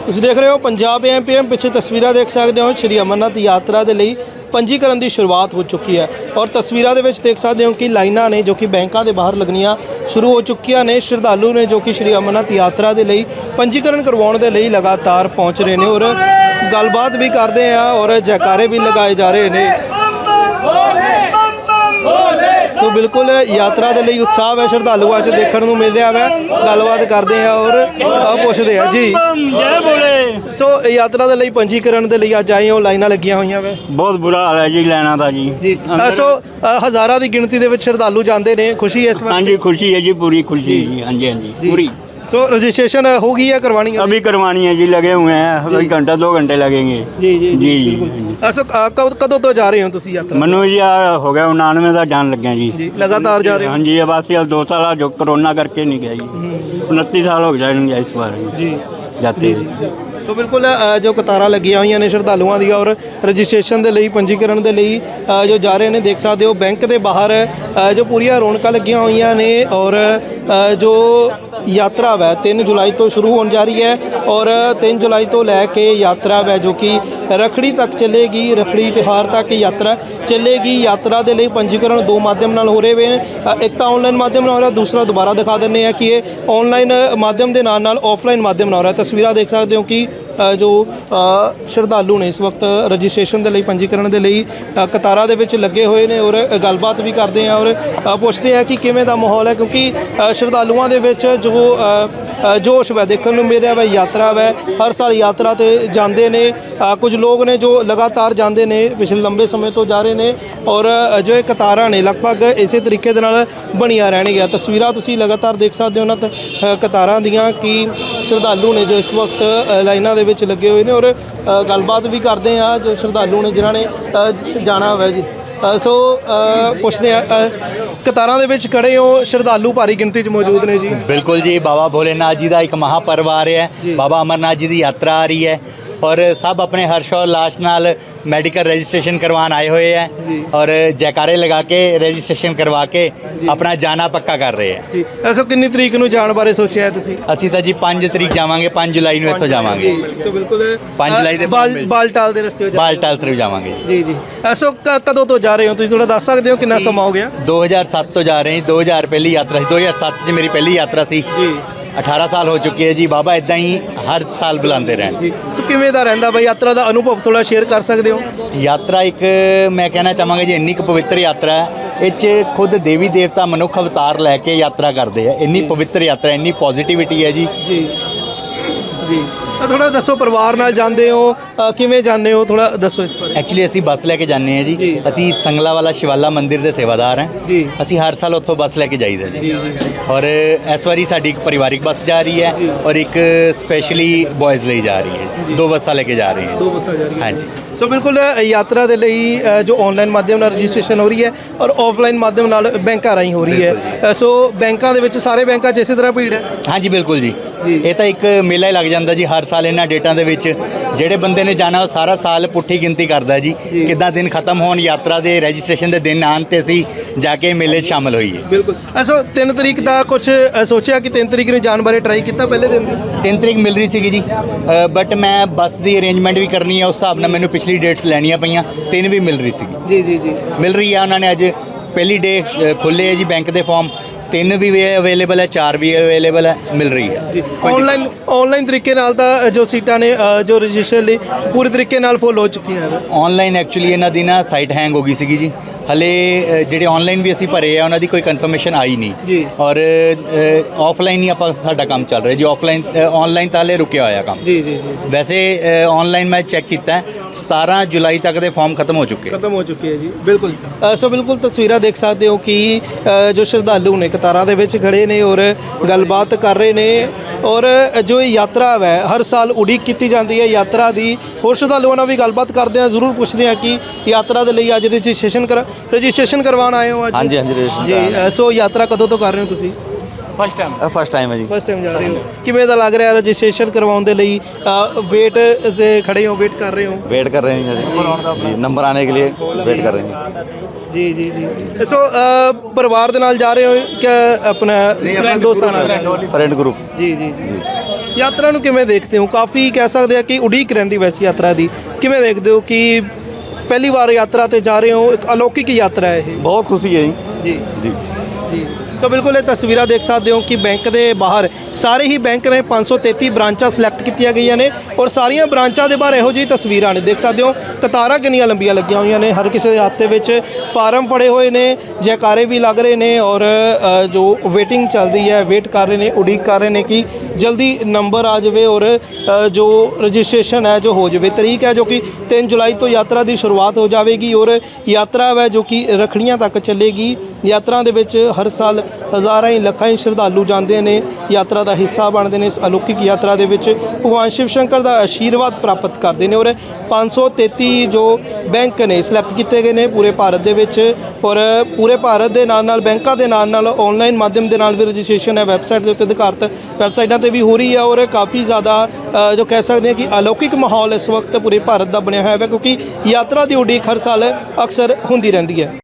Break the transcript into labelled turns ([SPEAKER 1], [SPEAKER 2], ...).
[SPEAKER 1] ਤੁਸੀਂ ਦੇਖ ਰਹੇ ਹੋ ਪੰਜਾਬ ਐਮਪੀਐਮ। ਪਿੱਛੇ ਤਸਵੀਰਾਂ ਦੇਖ ਸਕਦੇ ਹੋ, ਸ਼੍ਰੀ ਅਮਰਨਾਥ ਯਾਤਰਾ ਦੇ ਲਈ ਪੰਜੀਕਰਨ ਦੀ ਸ਼ੁਰੂਆਤ ਹੋ ਚੁੱਕੀ ਹੈ ਔਰ ਤਸਵੀਰਾਂ ਦੇ ਵਿੱਚ ਦੇਖ ਸਕਦੇ ਹੋ ਕਿ ਲਾਈਨਾਂ ਨੇ ਜੋ ਕਿ ਬੈਂਕਾਂ ਦੇ ਬਾਹਰ ਲੱਗਣੀਆਂ ਸ਼ੁਰੂ ਹੋ ਚੁੱਕੀਆਂ ਨੇ। ਸ਼ਰਧਾਲੂ ਨੇ ਜੋ ਕਿ ਸ਼੍ਰੀ ਅਮਰਨਾਥ ਯਾਤਰਾ ਦੇ ਲਈ ਪੰਜੀਕਰਨ ਕਰਵਾਉਣ ਦੇ ਲਈ ਲਗਾਤਾਰ ਪਹੁੰਚ ਰਹੇ ਨੇ ਔਰ ਗੱਲਬਾਤ ਵੀ ਕਰਦੇ ਆ ਔਰ ਜੈਕਾਰੇ ਵੀ ਲਗਾਏ ਜਾ ਰਹੇ ਨੇ। ਸੋ ਬਿਲकुल यात्रा के लिए उत्साह है श्रद्धालुओं च देखने को मिल रहा है। गलबात करते हैं और पूछते हैं जी। सो यात्रा के लिए पंजीकरण के लिए अज आए हो, लाइना लगिया हुई है।
[SPEAKER 2] बहुत बुरा हाल है जी लाइना का जी।
[SPEAKER 1] सो हज़ारों की गिणती के श्रद्धालु जाते हैं, खुशी है इस बार?
[SPEAKER 2] हाँ जी खुशी है जी, पूरी खुशी है जी। हाँ जी हाँ जी पूरी।
[SPEAKER 1] सो रजिस्ट्रेशन हो गई है, करवानी है?
[SPEAKER 2] अभी करवानी है जी, लगे हुए हैं, अभी घंटा 2 घंटे लगेंगे।
[SPEAKER 1] जी जी
[SPEAKER 2] जी
[SPEAKER 1] जी। सो कदों तो जा रहे हो तुसी यात्रा?
[SPEAKER 2] मनु जी हो गया 99 का जान लगे जी।
[SPEAKER 1] लगातार जा रहे हो?
[SPEAKER 2] हाँ जी, अब अस 2 साल जो कोरोना करके नहीं गया जी। 29 साल हो जाएंगे इस बार
[SPEAKER 1] जी
[SPEAKER 2] जाते।
[SPEAKER 1] सो बिल्कुल जो कतारां लगिया हुई ने श्रद्धालुओं दी और रजिस्ट्रेशन के लिए पंजीकरण के लिए जो जा रहे हैं देख सकते हो। बैंक के बाहर जो पूरियां रौनकां लगिया हुई ने और जो यात्रा है 3 जुलाई तो शुरू होने जा रही है और 3 जुलाई तो लैके यात्रा है जो कि रखड़ी तक चलेगी। रखड़ी त्यौहार तक यात्रा चलेगी। यात्रा के लिए पंजीकरण 2 माध्यम नाल हो रहे हैं। एक तो ऑनलाइन माध्यम नाल हो रहा है, दूसरा दोबारा दिखा देने हैं कि ये ऑनलाइन माध्यम के नाल नाल ऑफलाइन माध्यम नाल हो रहा है। तस्वीर देख सकते हो कि जो श्रद्धालु ने इस वक्त रजिस्ट्रेशन के लिए पंजीकरण के लिए कतारां दे विच लगे हुए हैं और गलबात भी करते हैं और पूछते हैं कि किवें दा माहौल है, क्योंकि श्रद्धालुओं दे विच जो जोश है देखने को मिल रहा है। यात्रा है हर साल यात्रा ते जाते ने, कुछ लोग ने जो लगातार जाते ने पिछले लंबे समय तो जा रहे हैं और जो ये कतारां ने लगभग इस तरीके दे नाल बनिया रहणगीਆਂ। तस्वीरां तुसीं लगातार देख सकते हो ना कतारां दियां कि श्रद्धालु ने जो इस वक्त लाइनां दे विच लगे हुए हैं और गलबात भी करते हैं जो श्रद्धालु ने जिन्हां ने जाना है जी। सो पुछते हैं कतारां दे विच खड़े हो, श्रद्धालु भारी गिनती च मौजूद ने जी?
[SPEAKER 3] बिल्कुल जी, बाबा भोलेनाथ जी का एक महापर्व आ रहा है, बाबा अमरनाथ जी की यात्रा आ रही है और सब अपने हर्ष और उल्लास नाल मेडिकल रजिस्ट्रेशन करवाने आए हुए हैं और जयकारे लगा के रजिस्ट्रेशन करवा के अपना जाना पक्का कर रहे हैं।
[SPEAKER 1] ऐसा कितनी तरीक नूं जाण बारे सोचिया है तुसीं?
[SPEAKER 3] ਅਸੀਂ ਤਾਂ ਜੀ 5 ਤਰੀਕ ਜਾਵਾਂਗੇ, 5 ਜੁਲਾਈ ਨੂੰ ਇੱਥੋਂ ਜਾਵਾਂਗੇ।
[SPEAKER 1] ਸੋ ਬਿਲਕੁਲ
[SPEAKER 3] 5 ਜੁਲਾਈ ਦੇ
[SPEAKER 1] ਬਾਲਟਾਲ ਦੇ ਰਸਤੇ
[SPEAKER 3] ਬਾਲਟਾਲ ਤੱਕ ਜਾਵਾਂਗੇ
[SPEAKER 1] ਜੀ ਜੀ। ਐਸੋ ਕਦੋਂ ਤੋਂ ਜਾ ਰਹੇ ਹੋ ਤੁਸੀਂ, ਥੋੜਾ ਦੱਸ ਸਕਦੇ ਹੋ ਕਿੰਨਾ ਸਮਾਂ ਹੋ ਗਿਆ?
[SPEAKER 3] 2007 ਤੋਂ ਜਾ ਰਹੇ ਹਾਂ। 2000 ਪਹਿਲੀ ਯਾਤਰਾ ਸੀ, 2007 'ਚ ਮੇਰੀ ਪਹਿਲੀ ਯਾਤਰਾ ਸੀ ਜੀ। 18 साल हो चुके हैं जी। बाबा इदा ही हर साल बुलाते रहन
[SPEAKER 1] जी। सो किवें दा रहिंदा बई यात्रा का अनुभव थोड़ा शेयर कर सकते हो?
[SPEAKER 3] यात्रा एक मैं कहना चाहांगा जी इन्नी पवित्र यात्रा है, इस खुद देवी देवता मनुख अवतार लैके यात्रा करते हैं। इन्नी पवित्र यात्रा, इन्नी पॉजिटिविटी है जी
[SPEAKER 1] जी जी। थोड़ा दसो परिवार नाल जाते हो, किवें जाते हो, थोड़ा दसो इस बारे।
[SPEAKER 3] एक्चुअली असी बस लैके जाने हैं जी। असी संगला वाला शिवाला मंदिर के सेवादार हैं जी। असी हर साल उत्थों बस लैके जाईदा जी और इस बारी साडी एक परिवारिक बस जा रही है और एक स्पेशली बॉयज़ ਲਈ जा रही है। 2 बसां लेके जा रही हैं।
[SPEAKER 1] 2 बसां जा रही हैं।
[SPEAKER 3] हाँ जी।
[SPEAKER 1] सो बिल्कुल यात्रा के लिए जो ऑनलाइन माध्यम नाल रजिस्ट्रेशन हो रही है और ऑफलाइन माध्यम नाल बैंकां राहीं हो रही है। सो बैंकां दे विच सारे बैंकां 'च इसे तरह भीड़ है?
[SPEAKER 3] हाँ जी बिल्कुल जी। ये तो एक मेला ही लग जाता जी हर साल इन्हां डेटां दे विच। ਜਿਹੜੇ ਬੰਦੇ ਨੇ ਜਾਣਾ ਉਹ ਸਾਰਾ ਸਾਲ ਪੁੱਠੀ ਗਿਣਤੀ ਕਰਦਾ ਜੀ, ਕਿੱਦਾਂ ਦਿਨ ਖਤਮ ਹੋਣ, ਯਾਤਰਾ ਦੇ ਰਜਿਸਟ੍ਰੇਸ਼ਨ ਦੇ ਦਿਨ ਆਉਣ ਤੇ ਅਸੀਂ ਜਾ ਕੇ ਮੇਲੇ 'ਚ ਸ਼ਾਮਲ ਹੋਈਏ।
[SPEAKER 1] ਬਿਲਕੁਲ। ਐਸੋ 3 ਤਰੀਕ ਦਾ ਕੁਝ ਸੋਚਿਆ ਕਿ 3 ਤਰੀਕ ਨੂੰ ਜਾਣ ਬਾਰੇ ਟਰਾਈ ਕੀਤਾ ਪਹਿਲੇ ਦਿਨ?
[SPEAKER 3] 3 ਤਰੀਕ ਮਿਲ ਰਹੀ ਸੀਗੀ ਜੀ, ਬਟ ਮੈਂ ਬੱਸ ਦੀ ਅਰੇਂਜਮੈਂਟ ਵੀ ਕਰਨੀ ਹੈ, ਉਸ ਹਿਸਾਬ ਨਾਲ ਮੈਨੂੰ ਪਿਛਲੀ ਡੇਟਸ ਲੈਣੀਆਂ ਪਈਆਂ। 3 ਵੀ ਮਿਲ ਰਹੀ ਸੀਗੀ
[SPEAKER 1] ਜੀ ਜੀ ਜੀ
[SPEAKER 3] ਮਿਲ ਰਹੀ ਆ। ਉਹਨਾਂ ਨੇ ਅੱਜ ਪਹਿਲੀ ਡੇ ਖੁੱਲ੍ਹੇ ਹੈ ਜੀ ਬੈਂਕ ਦੇ ਫਾਰਮ। 3 भी अवेलेबल है, 4 भी अवेलेबल है, मिल रही है
[SPEAKER 1] जी। ऑनलाइन तरीके नाल दा जो सीटां ने जो रजिस्ट्रेशन ਲਈ पूरे तरीके नाल फुल हो चुकी है।
[SPEAKER 3] ऑनलाइन एक्चुअली ਇਹਨਾਂ ਦੀ ਨਾ ਸਾਈਟ ਹੈਂਗ ਹੋ ਗਈ ਸੀਗੀ ਜੀ। ਹਲੇ ਜਿਹੜੇ ਆਨਲਾਈਨ ਵੀ ਅਸੀਂ ਭਰੇ ਆ ਉਹਨਾਂ ਦੀ ਕੋਈ ਕਨਫਰਮੇਸ਼ਨ ਆਈ ਨਹੀਂ ਔਰ ਆਫਲਾਈਨ ਹੀ ਆਪਾਂ ਸਾਡਾ ਕੰਮ ਚੱਲ ਰਿਹਾ ਜੀ। ਆਨਲਾਈਨ ਤਾਂ ਹਲੇ ਰੁਕਿਆ ਹੋਇਆ ਕੰਮ
[SPEAKER 1] ਜੀ ਜੀ ਜੀ।
[SPEAKER 3] ਵੈਸੇ ਆਨਲਾइन ਮੈਂ ਚੈੱਕ ਕੀਤਾ 17 ਜੁਲਾਈ ਤੱਕ ਦੇ ਫਾਰਮ ਖਤਮ ਹੋ ਚੁੱਕੇ ਹੈ ਜੀ।
[SPEAKER 1] ਬਿਲਕੁਲ। ਸੋ ਬਿਲਕੁਲ ਤਸਵੀਰਾਂ ਦੇਖ ਸਕਦੇ ਹੋ ਕਿ ਜੋ ਸ਼ਰਧਾਲੂ ਨੇ ਕਤਾਰਾਂ ਦੇ ਵਿੱਚ ਖੜੇ ਨੇ ਔਰ ਗੱਲਬਾਤ ਕਰ ਰਹੇ ਨੇ ਔਰ ਜੋ ਯਾਤਰਾ ਹੈ ਹਰ ਸਾਲ ਉਡੀਕ ਕੀਤੀ ਜਾਂਦੀ ਹੈ ਯਾਤਰਾ ਦੀ। ਹੋਰ ਸ਼ਰਧਾਲੂਆਂ ਨਾਲ ਵੀ ਗੱਲਬਾਤ ਕਰਦੇ ਹਾਂ, ਜ਼ਰੂਰ ਪੁੱਛਦੇ ਹਾਂ ਕਿ ਯਾਤਰਾ ਦੇ ਲਈ ਅੱਜ रजिस्ट्रेशन करवाना आए हो आज?
[SPEAKER 3] हाँ जी हाँ जी रजिस्ट्रेशन
[SPEAKER 1] जी। सो यात्रा कदों तो कर रहे हो तुसी?
[SPEAKER 3] फर्स्ट टाइम है जी।
[SPEAKER 1] फर्स्ट टाइम जा रहे हो। किवें दा लग रहा है रजिस्ट्रेशन करवाउण दे लई? वेट ते खड़े हो, वेट कर रहे हो?
[SPEAKER 3] वेट कर रहे हैं जी, नंबर आने के लिए वेट कर रहे हैं
[SPEAKER 1] जी जी जी। सो परिवार दे नाल जा रहे हो क्या अपना दोस्तां नाल?
[SPEAKER 3] फ्रेंड ग्रुप
[SPEAKER 1] जी जी जी। ਯਾਤਰਾ ਨੂੰ ਕਿਵੇਂ ਦੇਖਦੇ ਹੋ? ਕਾਫੀ ਕਹਿ ਸਕਦੇ ਆ ਕਿ ਉਡੀਕ ਰਹਿੰਦੀ ਵੈਸੀ ਯਾਤਰਾ ਦੀ, ਕਿਵੇਂ ਦੇਖਦੇ ਹੋ ਕਿ ਪਹਿਲੀ ਵਾਰ ਯਾਤਰਾ ਤੇ ਜਾ ਰਹੇ ਹੋ? ਇੱਕ ਅਲੌਕਿਕ ਯਾਤਰਾ ਹੈ ਇਹ।
[SPEAKER 4] ਬਹੁਤ ਖੁਸ਼ੀ ਹੈ
[SPEAKER 1] ਜੀ
[SPEAKER 4] ਜੀ
[SPEAKER 1] ਜੀ ਸੋ ਬਿਲਕੁਲ ਇਹ ਤਸਵੀਰਾਂ ਦੇਖ ਸਕਦੇ ਹੋ ਕਿ ਬੈਂਕ ਦੇ ਬਾਹਰ ਸਾਰੇ ਹੀ ਬੈਂਕ ਨੇ 533 ਬ੍ਰਾਂਚਾਂ ਸਿਲੈਕਟ ਕੀਤੀਆਂ ਗਈਆਂ ਨੇ ਔਰ ਸਾਰੀਆਂ ਬ੍ਰਾਂਚਾਂ ਦੇ ਬਾਹਰ ਇਹੋ ਜਿਹੀ ਤਸਵੀਰਾਂ ਨੇ। ਦੇਖ ਸਕਦੇ ਹੋ ਕਤਾਰਾਂ ਕਿੰਨੀਆਂ ਲੰਬੀਆਂ ਲੱਗੀਆਂ ਹੋਈਆਂ ਨੇ, ਹਰ ਕਿਸੇ ਦੇ ਹੱਥ ਦੇ ਵਿੱਚ ਫਾਰਮ ਫੜੇ ਹੋਏ ਨੇ, ਜੈਕਾਰੇ ਵੀ ਲੱਗ ਰਹੇ ਨੇ ਔਰ ਜੋ ਵੇਟਿੰਗ ਚੱਲ ਰਹੀ ਹੈ, ਵੇਟ ਕਰ ਰਹੇ ਨੇ, ਉਡੀਕ ਕਰ ਰਹੇ ਨੇ ਕਿ ਜਲਦੀ ਨੰਬਰ ਆ ਜਾਵੇ ਔਰ ਜੋ ਰਜਿਸਟ੍ਰੇਸ਼ਨ ਹੈ ਜੋ ਹੋ ਜਾਵੇ। ਤਰੀਕ ਹੈ ਜੋ ਕਿ 3 ਜੁਲਾਈ ਤੋਂ ਯਾਤਰਾ ਦੀ ਸ਼ੁਰੂਆਤ ਹੋ ਜਾਵੇਗੀ ਔਰ ਯਾਤਰਾ ਹੈ ਜੋ ਕਿ ਰੱਖੜੀਆਂ ਤੱਕ ਚੱਲੇਗੀ। ਯਾਤਰਾ ਦੇ ਵਿੱਚ ਹਰ ਸਾਲ ਹਜ਼ਾਰਾਂ ਹੀ ਲੱਖਾਂ ਹੀ ਸ਼ਰਧਾਲੂ ਜਾਂਦੇ ਨੇ, ਯਾਤਰਾ ਦਾ ਹਿੱਸਾ ਬਣਦੇ ਨੇ। ਇਸ ਅਲੌਕਿਕ ਯਾਤਰਾ ਦੇ ਵਿੱਚ ਭਗਵਾਨ ਸ਼ਿਵ ਸ਼ੰਕਰ ਦਾ ਆਸ਼ੀਰਵਾਦ ਪ੍ਰਾਪਤ ਕਰਦੇ ਨੇ ਔਰ 533 ਜੋ ਬੈਂਕ ਨੇ ਸਿਲੈਕਟ ਕੀਤੇ ਗਏ ਨੇ ਪੂਰੇ ਭਾਰਤ ਦੇ ਵਿੱਚ ਔਰ ਪੂਰੇ ਭਾਰਤ ਦੇ ਨਾਲ ਬੈਂਕਾਂ ਦੇ ਨਾਲ ਆਨਲਾਈਨ ਮਾਧਿਅਮ ਦੇ ਨਾਲ ਵੀ ਰਜਿਸਟ੍ਰੇਸ਼ਨ ਹੈ ਵੈਬਸਾਈਟ ਦੇ ਉੱਤੇ ਅਧਿਕਾਰਤ ਵੈਬਸਾਈਟਾਂ ਤੇ ਵੀ ਹੋ ਰਹੀ ਹੈ ਔਰ ਕਾਫੀ ਜ਼ਿਆਦਾ ਜੋ ਕਹਿ ਸਕਦੇ ਹਾਂ ਕਿ ਅਲੌਕਿਕ ਮਾਹੌਲ ਇਸ ਵਕਤ ਪੂਰੇ ਭਾਰਤ ਦਾ ਬਣਿਆ ਹੋਇਆ ਹੈ ਕਿਉਂਕਿ ਯਾਤਰਾ ਦੀ ਉਡੀਕ ਹਰ ਸਾਲ ਅਕਸਰ ਹੁੰਦੀ ਰਹਿੰਦੀ ਹੈ।